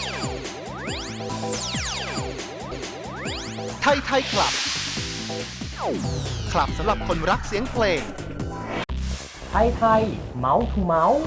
ไทยไทยคลับ คลับสำหรับคนรักเสียงเพลงไทยไทยเมาส์ทูเมาส์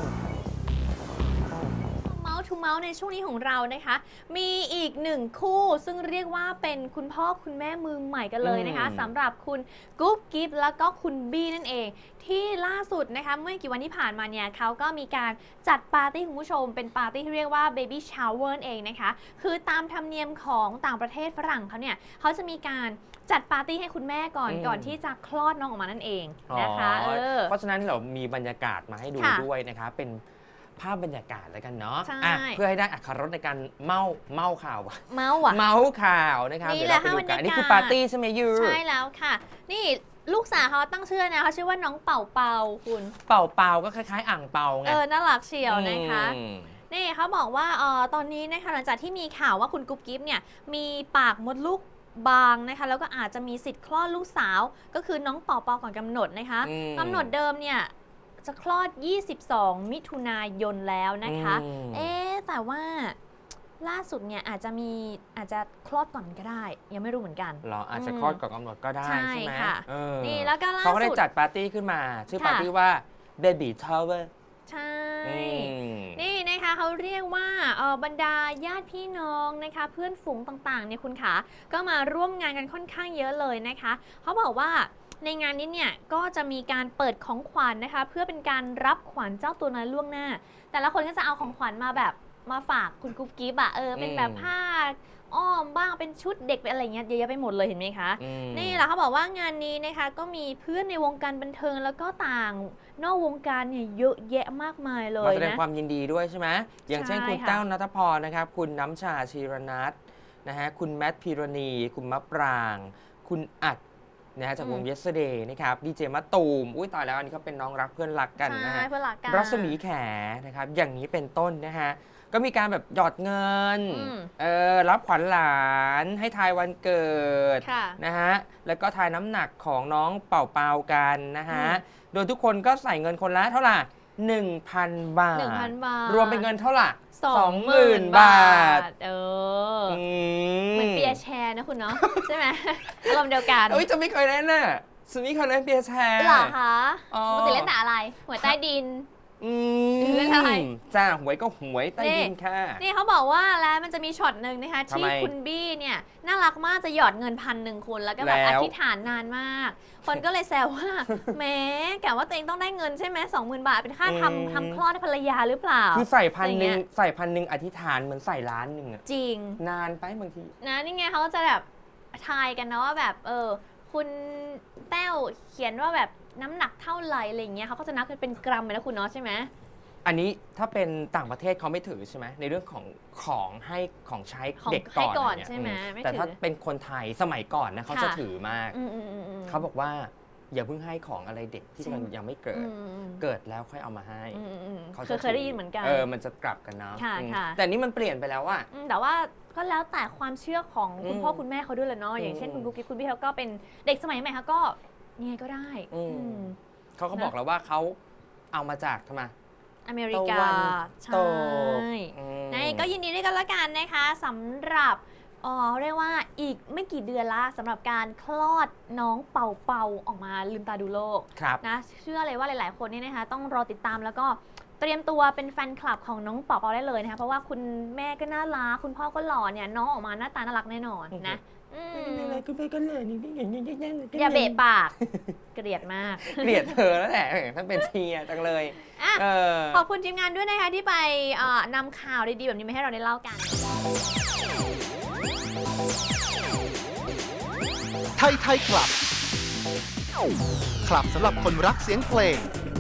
เมาส์ในช่วงนี้ของเรานะคะมีอีกหนึ่งคู่ซึ่งเรียกว่าเป็นคุณพ่อคุณแม่มือใหม่กันเลยนะคะสำหรับคุณกุ๊บกิ๊บแล้วก็คุณบี้นั่นเองที่ล่าสุดนะคะเมื่อกี่วันที่ผ่านมาเนี่ยเขาก็มีการจัดปาร์ตี้คุณผู้ชมเป็นปาร์ตี้ที่เรียกว่า Baby Shower เองนะคะคือตามธรรมเนียมของต่างประเทศฝรั่งเขาเนี่ยเขาจะมีการจัดปาร์ตี้ให้คุณแม่ก่อนที่จะคลอดน้องออกมานั่นเองนะคะเพราะฉะนั้นเรามีบรรยากาศมาให้ดูด้วยนะคะเป็นภาพบรรยากาศแล้วกันเนาะเพื่อให้ได้อรรถรสในการเมาข่าวเมาข่าวนะครับเดี๋ยวเราไปดูกันนี่คือปาร์ตี้ใช่ไหมยูใช่แล้วค่ะนี่ลูกสาวเขาตั้งชื่อนะเขาชื่อว่าน้องเป่าเป่าคุณเป่าเป่าก็คล้ายๆอ่างเปาไงน่ารักเชียวนะคะนี่เขาบอกว่าตอนนี้นะคะหลังจากที่มีข่าวว่าคุณกุ๊บกิ๊บเนี่ยมีปากมดลูกบางนะคะแล้วก็อาจจะมีสิทธิ์คลอดลูกสาวก็คือน้องเป่าเป่าก่อนกำหนดนะคะกำหนดเดิมเนี่ยจะคลอด22 มิถุนายนแล้วนะคะแต่ว่าล่าสุดเนี่ยอาจจะคลอดก่อนก็ได้ยังไม่รู้เหมือนกันหรออาจจะคลอดก่อนกำหนดก็ได้ใช่ไหมนี่แล้วก็ล่าสุดเขาก็ได้จัดปาร์ตี้ขึ้นมาชื่อปาร์ตี้ว่า Baby Shower ใช่นี่นะคะเขาเรียกว่าบรรดาญาติพี่น้องนะคะเพื่อนฝูงต่างๆเนี่ยคุณขาก็มาร่วมงานกันค่อนข้างเยอะเลยนะคะเขาบอกว่าในงานนี้เนี่ยก็จะมีการเปิดของขวัญนะคะเพื่อเป็นการรับขวัญเจ้าตัวน้อยล่วงหน้าแต่ละคนก็จะเอาของขวัญมาฝากคุณกุ๊บกิ๊บเป็นแบบผ้าอ้อมบ้างเป็นชุดเด็กเป็นอะไรเงี้ยเยอะแยะไปหมดเลยเห็นไหมคะนี่แหละเขาบอกว่างานนี้นะคะก็มีเพื่อนในวงการบันเทิงแล้วก็ต่างนอกวงการเนี่ยเยอะแยะมากมายเลยนะมาแสดงความยินดีด้วยใช่ไหมอย่างเช่นคุณแต้วณัฐพรนะครับคุณน้ำชาชีรนัทนะฮะคุณแมทพีรณีคุณมะปรางคุณอัดนะฮะจากวง Yesterday นะครับดีเจมะตูมตายแล้วอันนี้เขาเป็นน้องรักเพื่อนรักกันนะฮะรัศมีแขนะครับอย่างนี้เป็นต้นนะฮะก็มีการแบบหยอดเงินรับขวัญหลานให้ทายวันเกิดนะฮะแล้วก็ทายน้ำหนักของน้องเป่าเปากันนะฮะโดยทุกคนก็ใส่เงินคนละเท่าไหร่ 1,000 บาทรวมเป็นเงินเท่าไหร่ 20,000 บาทเหมือนเปียแชร์นะคุณเนาะใช่ไหมอารมณ์เดียวกันจะไม่เคยเล่นน่ะสุนี่เคยเล่นเปียแชร์หรอคะปกติเล่นแต่อะไรหัวใต้ดินเล่นอะไรจ้าหวยก็หวยใต้ดินค่ะนี่เขาบอกว่าแล้วมันจะมีช็อตหนึ่งนะคะที่คุณบี้เนี่ยน่ารักมากจะหยอดเงิน1,000คุณแล้วก็แบบอธิษฐานนานมากคนก็เลยแซวว่าแม้แกว่าตัวเองต้องได้เงินใช่ไหม20,000 บาทเป็นค่าทำคลอดให้ภรรยาหรือเปล่าคือใส่1,000อธิษฐานเหมือนใส่ล้านหนึ่งอะจริงนานไปบางทีนะนี่ไงเขาจะแบบทายกันนะว่าแบบคุณแต้วเขียนว่าแบบน้ำหนักเท่าไหร่อะไรเงี้ยเขาก็จะนับเป็นกรัมเลยนะคุณเนาะใช่ไหมอันนี้ถ้าเป็นต่างประเทศเขาไม่ถือใช่ไหมในเรื่องของให้ของใช้เด็กก่อนใช่ไหมแต่ถ้าเป็นคนไทยสมัยก่อนนะเขาจะถือมากเขาบอกว่าอย่าเพิ่งให้ของอะไรเด็กที่ยังไม่เกิดแล้วค่อยเอามาให้เขาเคยได้ยินเหมือนกันมันจะกลับกันนะแต่นี่มันเปลี่ยนไปแล้วอะแต่ว่าก็แล้วแต่ความเชื่อของคุณพ่อคุณแม่เขาด้วยแหละเนาะอย่างเช่นคุณกุ๊กกิ๊บคุณพี่เขาก็เป็นเด็กสมัยใหม่เขาก็ยังไงก็ได้เขาก็บอกแล้วว่าเขาเอามาจากทำไมอเมริกาใช่ก็ยินดีด้วยกันละกันนะคะสำหรับเรียกว่าอีกไม่กี่เดือนละสำหรับการคลอดน้องเป่าเป่าออกมาลืมตาดูโลกนะเชื่อเลยว่าหลายๆคนนี่นะคะต้องรอติดตามแล้วก็เตรียมตัวเป็นแฟนคลับของน้องเป่าเป่าได้เลยนะคะเพราะว่าคุณแม่ก็น่ารักคุณพ่อก็หล่อเนี่ยน้องออกมาหน้าตาน่ารักแน่นอนนะคุณแม่ก็เลยอย่าเบะปากเกลียดมากเกลียดเธอแล้วแหละถ้าเป็นเชียร์จังเลยขอบคุณทีมงานด้วยนะคะที่ไปนำข่าวดีๆแบบนี้มาให้เราได้เล่ากันไทยไทยคลับ คลับสำหรับคนรักเสียงเพลง